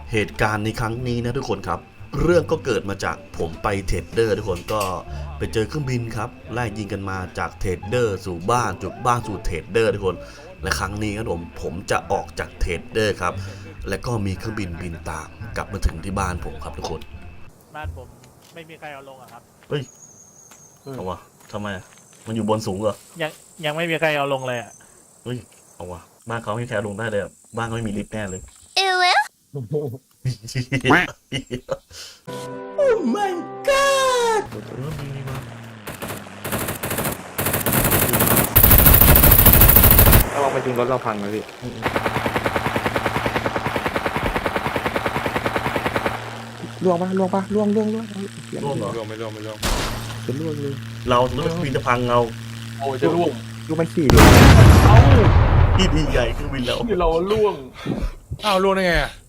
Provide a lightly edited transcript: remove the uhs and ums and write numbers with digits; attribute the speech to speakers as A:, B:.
A: เหตุการณ์ในครั้งนี้นะทุกคนครับเรื่องก็เกิดมาจากผมไปเทรดเดอร์ทุกคนก็ไปเจอเครื่องบินครับไล่ยิงกันมาจากเทรดเดอร์สู่บ้านจากบ้านสู่เทรดเดอร์ทุกคนและครั้งนี้ครับผมจะออกจากเทรดเดอร์ครับและก็มีเครื่องบินบินตามกลับมาถึงที่บ้านผมครับทุกคน
B: บ้านผมไม่มีใครเอาลงอะครับ
A: เฮ้ยเอาวะทำไมอะมันอยู่บนสูงเหรอ
B: ยังไม่มีใครเอาลงเลยอะ
A: เฮ้ยเอาวะบ้านเขาไม่มีใครเอาลงได้เลยอะบ้านเขาไม่มีลิฟต์แน่เลย Oh my god มีมา
C: ถ้าเราไปจริงรถเราพังเลยพี่ล่วงปะล่วงปะล่วง
A: ร่วงเหรอ
D: ไม่ร่วง
C: เป็นล่วงเลย
A: เรารถบินจะพังเรา
D: โอ้ยจะร่วง
C: ล่วงมันขี่ล่วง
D: เอ้า
A: ที่ดีใหญ่เครื่องบินเรา
D: ที่เราร่วงอ้าวร่วงได้ไงอ่ะ